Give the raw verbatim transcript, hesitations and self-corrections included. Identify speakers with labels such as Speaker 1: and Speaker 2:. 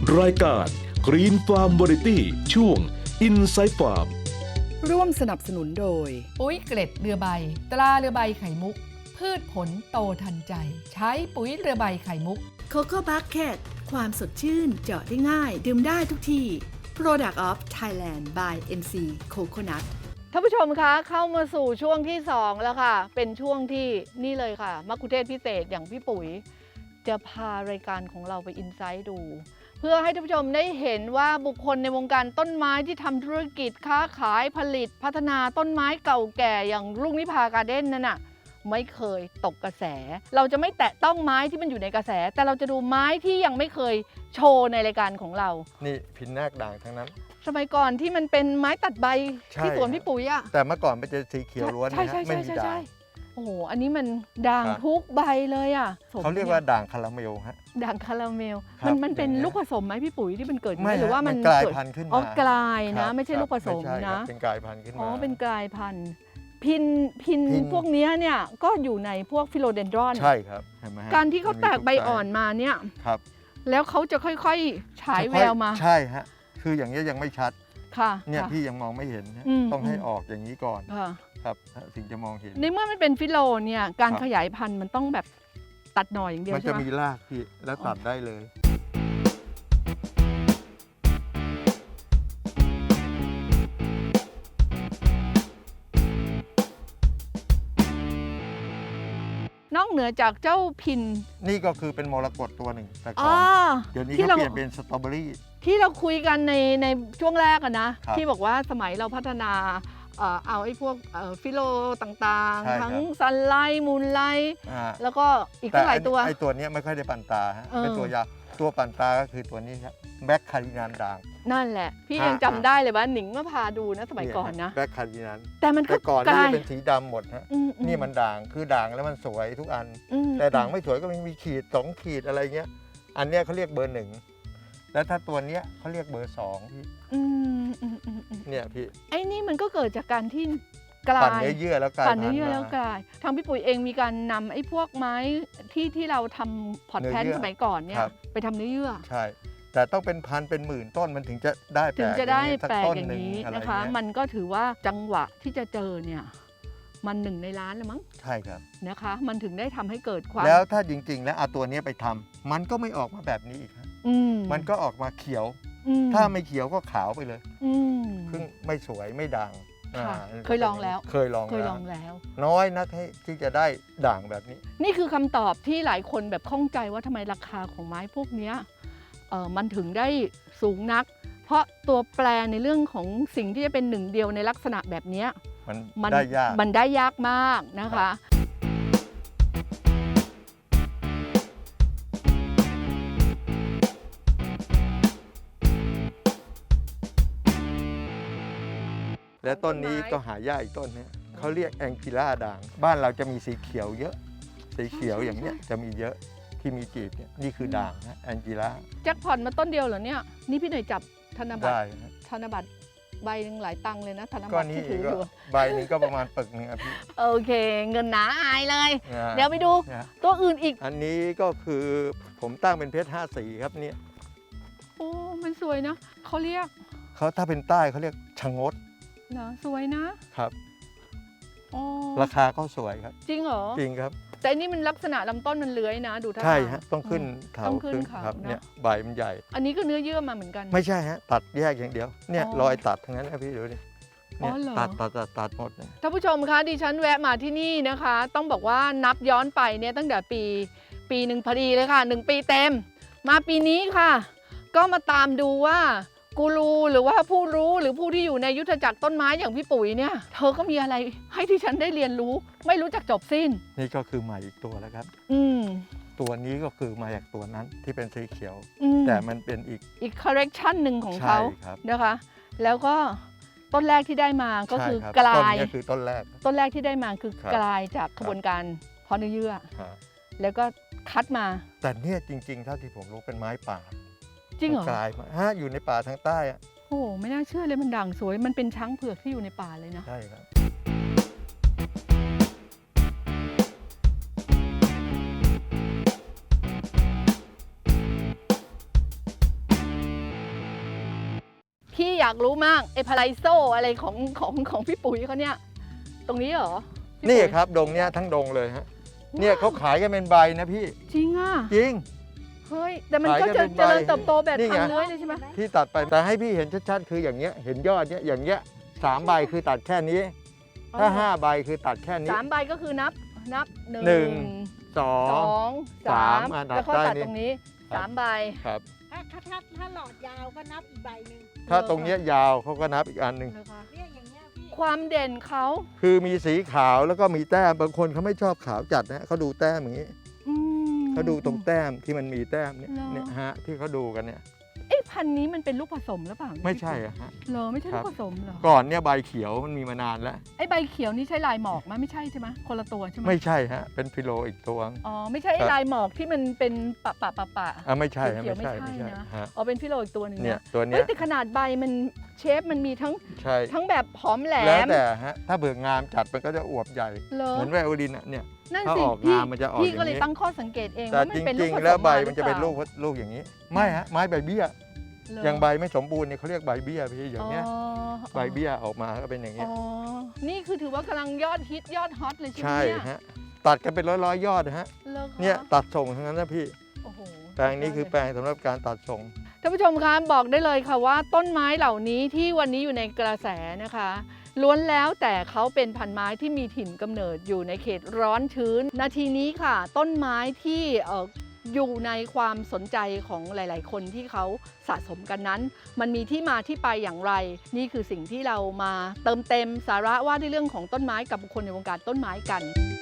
Speaker 1: รายการ Green Farm Variety ช่วง Inside Farm
Speaker 2: ร่วมสนับสนุนโดย
Speaker 3: ปุ๋ยเกล็ดเรือใบตราเรือใบไข่มุกพืชผลโตทันใจใช้ปุ๋ยเรือใบไข่มุก
Speaker 2: Coco Bucket ความสดชื่นเจาะได้ง่ายดื่มได้ทุกที่ Product of Thailand by เอ็น ซี Coconut
Speaker 3: ท่านผู้ชมคะเข้ามาสู่ช่วงที่สองแล้วค่ะเป็นช่วงที่นี่เลยค่ะมัคคุเทศก์พิเศษอย่างพี่ปุ๋ยจะพารายการของเราไปอินไซต์ดูเพื่อให้ท่านผู้ชมได้เห็นว่าบุคคลในวงการต้นไม้ที่ทำธุรกิจค้าขายผลิตพัฒนาต้นไม้เก่าแก่อย่างรุ่งนิพาการ์เด้นนั่นน่ะไม่เคยตกกระแสเราจะไม่แตะต้องไม้ที่มันอยู่ในกระแสแต่เราจะดูไม้ที่ยังไม่เคยโชว์ในรายการของเรา
Speaker 4: นี่พินนาคด่างทั้งนั้น
Speaker 3: สมัยก่อนที่มันเป็นไม้ตัดใบที่สวนพี่ปุ๋ยอะ
Speaker 4: แต่เมื่อก่อนมันจะสีเขียวล้วนนะฮะไม่มีด่าง
Speaker 3: โอ้โหอันนี้มันด่างทุกใบเลยอะ
Speaker 4: เขาเรียกว่าด่างคาราเมลฮะ
Speaker 3: ด่างคาราเมลมันมันเป็นลูกผสมไหมพี่ปุ๋ยที่มันเกิด
Speaker 4: ไม่
Speaker 3: หรือว่ามัน
Speaker 4: กลายพันธุ์ขึ้นมา
Speaker 3: อ๋อกลายนะไม่ใช่ลูกผสมนะ
Speaker 4: เป็นกลายพันธุ์ขึ้นมา
Speaker 3: อ๋อเป็นกลายพันธุ์พินพินพวกนี้เนี่ยก็อยู่ในพวกฟิโลเดนดรอน
Speaker 4: ใช่ครับเห็นไหม
Speaker 3: การที่เขาแตกใบอ่อนมาเนี่ย
Speaker 4: ครับ
Speaker 3: แล้วเขาจะค่อยๆฉายแววมา
Speaker 4: ใช่ฮะคืออย่างนี้ยังไม่ชัด
Speaker 3: ค่ะ
Speaker 4: เนี่ยพี่ยังมองไม่เห็นต้องให้ออกอย่างนี้ก่อนครับถึงจะมองเห็น
Speaker 3: ในเมื่อมันเป็นฟิโลเนี่ยการขยายพันธุ์มันต้องแบบตัดหน่อยอย่างเดียวใช่ไหม
Speaker 4: มันจะมีรากพี่แล้วตัดได้เลย
Speaker 3: นอกเหนือจากเจ้าพิน
Speaker 4: นี่ก็คือเป็นมรกตตัวหนึ่งแต่ก่อนเดี๋ยวนี้เขาเปลี่ยนเป็นสตรอเบอรี่
Speaker 3: ที่เราคุยกันในในช่วงแรกอะนะที่บอกว่าสมัยเราพัฒนาเอาไอ้พวกฟิโลต่างๆทั้งซันไลท์มูนไลท์แล้วก็อีกหลายตัว
Speaker 4: ไอ้ตัวนี้ไม่ค่อยได้ปั่นตาฮะเป็นตัวยาตัวปั่นตาก็คือตัวนี้ครับแบ็คคารินานด่าง
Speaker 3: นั่นแหละพี่ยังจำได้เลยว่าหนิงมาพาดูนะสมัยก่อนนะ
Speaker 4: แบ็คคารินาน
Speaker 3: แต่มัน
Speaker 4: ก็ก่อนนี่เป็นสีดำหมดฮะนี่มันด่างคือด่างแล้วมันสวยทุกอันแต่ด่างไม่สวยก็มีขีดสองขีดอะไรเงี้ยอันเนี้ยเขาเรียกเบอร์หนึ่งแล้วถ้าตัวเนี้ยเขาเรียกเบอร์สองพี่เนี่ยพี่
Speaker 3: ไอ้นี่มันก็เกิดจากการที่กลาย
Speaker 4: ปั่นเนื้อเยื่อแล้วกลาย
Speaker 3: ปั่นเนื้อเยื่อแล้วกลายทางพี่ปุ๋ยเองมีการนำไอ้พวกไม้ที่ที่เราทำพอร์ตแพนสมัยก่อนเนี่ยไปทำเนื้อเยื่อ
Speaker 4: ใช่แต่ต้องเป็นพันเป็นหมื่นต้นมันถึงจะได้แปลก
Speaker 3: ถึงจะได้แปลกอย่างนี้นะคะมันก็ถือว่าจังหวะที่จะเจอเนี่ยมันหนึ่งในล้านแล้วมั้ง
Speaker 4: ใช่ครับ
Speaker 3: นะคะมันถึงได้ทำให้เกิดความ
Speaker 4: แล้วถ้าจริงๆแล้วเอาตัวนี้ไปทำมันก็ไม่ออกมาแบบนี้อีกครับมันก็ออกมาเขียวถ้าไม่เขียวก็ขาวไปเลยซึ่งไม่สวยไม่ด่าง
Speaker 3: เคยลองแล้ว
Speaker 4: เคยลอง
Speaker 3: เคยลองแล้ว
Speaker 4: น้อยนักที่จะได้ด่างแบบนี้
Speaker 3: นี่คือคำตอบที่หลายคนแบบข้องใจว่าทำไมราคาของไม้พวกนี้เออมันถึงได้สูงนักเพราะตัวแปรในเรื่องของสิ่งที่จะเป็นหนึ่งเดียวในลักษณะแบบนี้
Speaker 4: มันได้ยาก
Speaker 3: มันได้ยากมากนะคะ
Speaker 4: และต้นนี้ก็หายากอีกต้นนี้เขาเรียกแองจิล่าด่างบ้านเราจะมีสีเขียวเยอะสีเขียวอย่างเนี้ยจะมีเยอะที่มีจีบเนี่ยนี่คือด่างนะแองจิล่า
Speaker 3: แจ็คพอตมาต้นเดียวเหรอเนี่ยนี่พี่หน่อยจับธนบัตรธนบัตรใบหนึ่งหลายตังค์เลยนะธนบัตรที่ถืออยู่
Speaker 4: ใบนึงก็ประมาณปึกนึงครับพี่
Speaker 3: โอเคเงินหนาอายเลยเดี๋ยวไปดูตัวอื่นอีก
Speaker 4: อันนี้ก็คือผมตั้งเป็นเพชรห้าสีครับเนี่ย
Speaker 3: โอ้มันสวยนะเขาเรียก
Speaker 4: เขาถ้าเป็นใต้เขาเรียกชะงด
Speaker 3: นะสวยนะครับ
Speaker 4: ราคาก็สวยครับ
Speaker 3: จริงเหรอ
Speaker 4: จริงครับ
Speaker 3: แต่อันนี้มันลักษณะลำต้นมันเลื้อยนะดูท่า
Speaker 4: ใช่ฮะต้องขึ้นเขาต้องขึ้นครับเนี่ยใบมันใหญ่
Speaker 3: อันนี้ก็เนื้อเยื่อมาเหมือนกัน
Speaker 4: ไม่ใช่ฮะตัดแยกอย่างเดียวเนี่ยรอยตัดทั้งนั้นนะพี่ดูดิเนี่ยตัดตัดตัดตัดหมด
Speaker 3: ท่านผู้ชมคะดิฉันแวะมาที่นี่นะคะต้องบอกว่านับย้อนไปเนี่ยตั้งแต่ปีปีหนึ่งพอดีเลยค่ะหนึ่งปีเต็มมาปีนี้ค่ะก็มาตามดูว่ากูรูหรือว่าผู้รู้หรือผู้ที่อยู่ในยุทธจักรต้นไม้อย่างพี่ปุ๋ยเนี่ยเธอก็มีอะไรให้ที่ฉันได้เรียนรู้ไม่รู้จักจบสิ้น
Speaker 4: นี่ก็คือใหม่อีกตัวแล้วครับ
Speaker 3: อืม
Speaker 4: ตัวนี้ก็คือมาจากตัวนั้นที่เป็นสีเขียวแต่มันเป็นอีก
Speaker 3: อีกคอร์เรคชันหนึ่งของเขานะคะแล้วก็ต้นแรกที่ได้มาก็คือกลาย
Speaker 4: ต้นนี้คือต้นแรก
Speaker 3: ต้นแรกที่ได้มาคือกลายจากกระบวนการเพาะเนื้อเยื่อแล้วก็คัดมา
Speaker 4: แต่เนี่ยจริงๆเท่าที่ผมรู้เป็นไม้ป่า
Speaker 3: จริงเหรอก
Speaker 4: ลายมาฮะอยู่ในป่าทางใต้อะ
Speaker 3: โอ้ไม่น่าเชื่อเลยมันด่างสวยมันเป็นช้างเผือกที่อยู่ในป่าเลยนะ
Speaker 4: ใช่ครับ
Speaker 3: อยากรู้มากไอ้พาราไซโซอะไรของของของพี่ปุ๋ยเขาเนี่ยตรงนี้เหรอพี่
Speaker 4: นี่
Speaker 3: ปุ๋ย
Speaker 4: ครับดงเนี้ยทั้งดงเลยฮะเนี่ยเขาขายกันเป็นใบนะพี่
Speaker 3: จริงอ่ะ
Speaker 4: จริง
Speaker 3: เฮ้ยแต่มันก็
Speaker 4: ขายกั
Speaker 3: จะ
Speaker 4: นเป็น
Speaker 3: เจริญ
Speaker 4: ใบ
Speaker 3: เติบโตแบบ
Speaker 4: นี่ไง
Speaker 3: ทางเลื้อยเลยใช่ไหม
Speaker 4: ที่ตัดไปแต่ให้พี่เห็นชัดๆคืออย่างเงี้ยเห็นยอดเนี้ยอย่างเงี้ยสามใบคือตัดแค่นี้ ถ้าห้าใบคือตัดแค่นี้
Speaker 3: สามใบก็คือนับนับหนึ่ง
Speaker 4: หนึ่ง สอ
Speaker 3: ส
Speaker 4: ง
Speaker 3: องสา
Speaker 4: สาม
Speaker 3: ม
Speaker 4: อ่ะนับ
Speaker 3: แล้วก็
Speaker 4: ได้
Speaker 3: ตัด
Speaker 4: นี่
Speaker 3: ตรงนี้
Speaker 4: ครับ
Speaker 3: สามใบ
Speaker 4: ครับ
Speaker 5: ถ้าถ้าถ้าถ้าหลอดยาวก็นับอีกใบหนึ่ง
Speaker 4: ถ้าตรงเนี้ยยาวเขาก็นับอีกอันหนึ่ง
Speaker 3: นะคะ
Speaker 5: เนี่ยอย่างเงี้ยพี่
Speaker 3: ความเด่นเขา
Speaker 4: คือมีสีขาวแล้วก็มีแต้มบางคนเขาไม่ชอบขาวจัดนะเขาดูแต้มอย่างนี้
Speaker 3: อืม
Speaker 4: เขาดูตรงแต้มที่มันมีแต้มเนี่ย
Speaker 3: เหรอ
Speaker 4: เนี่ยฮะที่เขาดูกันเนี่ย
Speaker 3: เอ๊ะพันธุ์นี้มันเป็นลูกผสมหรือเปล่า
Speaker 4: ไม่ใช่อะฮะ
Speaker 3: เหรอไม่ใช่
Speaker 4: ครั
Speaker 3: ลู
Speaker 4: บ
Speaker 3: กผสมเหรอ
Speaker 4: ก่อนเนี่ยใบเขียวมันมีมานานแล้ว
Speaker 3: ไอ้ใบเขียวนี่ใช่ลายหมอกไหมไม่ใช่ใช่ไหมคนละตัวใช่ไหม
Speaker 4: ไม่ใช่ฮะเป็นฟิโลอีกตัว
Speaker 3: อ๋อไม่ใช่ไอ้
Speaker 4: ครับ
Speaker 3: ลายหมอกที่มันเป็นปะปะปะปะ
Speaker 4: อ่ะไม่ใช่ฮะ
Speaker 3: เขีย
Speaker 4: ไม่
Speaker 3: วๆ
Speaker 4: ใช่
Speaker 3: ไม่
Speaker 4: ไม่
Speaker 3: ใช่
Speaker 4: ใช่
Speaker 3: นะ
Speaker 4: ฮะ
Speaker 3: อ๋อเป็นฟิโลอีกตัวหนึ่ง
Speaker 4: เนี่ย
Speaker 3: นะ
Speaker 4: ตัว
Speaker 3: เฮ้
Speaker 4: เนี้
Speaker 3: ย
Speaker 4: ย
Speaker 3: แต่ขนาดใบมันเชฟมันมีทั้ง
Speaker 4: ใช่
Speaker 3: ทั้งแบบผอมแหล
Speaker 4: แล้ว
Speaker 3: ม
Speaker 4: แต่ฮะถ้าเบือกงามจัดมันก็จะอวบใหญ่
Speaker 3: เหรอ
Speaker 4: เหมือนไวโอลินอ่ะเนี่ย
Speaker 3: นั่น
Speaker 4: ถ้า
Speaker 3: สิ
Speaker 4: ออก
Speaker 3: พี่
Speaker 4: งามมันจะออก
Speaker 3: พี่
Speaker 4: อย่าง
Speaker 3: ก็เลย
Speaker 4: นี้
Speaker 3: ตั้งข้อสังเกตเอง
Speaker 4: แต่
Speaker 3: ว่ามั
Speaker 4: จ
Speaker 3: นเป็นลู
Speaker 4: ริ
Speaker 3: ก
Speaker 4: ง
Speaker 3: ผสม
Speaker 4: ๆ แล้วใบ
Speaker 3: มาหรือ
Speaker 4: มันจะเป็น
Speaker 3: ปา
Speaker 4: ลูกลูกอย่างนี้ ไม่ฮะไม้ใบเบี้ย
Speaker 3: เหร
Speaker 4: อย่างใบไม่สมบูรณ์เนี่ยเขาเรียกใบเบี้ยพี่อย่างเงี้ย
Speaker 3: อ๋อ
Speaker 4: ใบเบี้ยออกมาก็เป็นอย่าง
Speaker 3: อ๋
Speaker 4: เงี้ย
Speaker 3: อนี่คือถือว่ากำลังยอดฮิตยอดฮอตเลยใช่ไหม
Speaker 4: ใช่
Speaker 3: เนี่ย
Speaker 4: ฮะตัดกันเป็นร้อยร้อยๆยอดนะฮะ
Speaker 3: เหรอคะ
Speaker 4: เนี่ยตัดส่งทั้งนั้นนะพี่
Speaker 3: โอ้โห
Speaker 4: แปลงนี้คือแปลงสำหรับการตัดส่ง
Speaker 3: ท่านผู้ชมคะบอกได้เลยค่ะว่าต้นไม้เหล่านี้ที่วันนี้อยู่ในกระแสนะคะล้วนแล้วแต่เขาเป็นพันไม้ที่มีถิ่นกำเนิดอยู่ในเขตร้อนชื้น นาทีนี้ค่ะ ต้นไม้ที่เอ่ออยู่ในความสนใจของหลาย ๆ คนที่เขาสะสมกันนั้น มันมีที่มาที่ไปอย่างไร นี่คือสิ่งที่เรามาเติมเต็มสาระว่าด้วยเรื่องของต้นไม้กับบุคคลในวงการต้นไม้กัน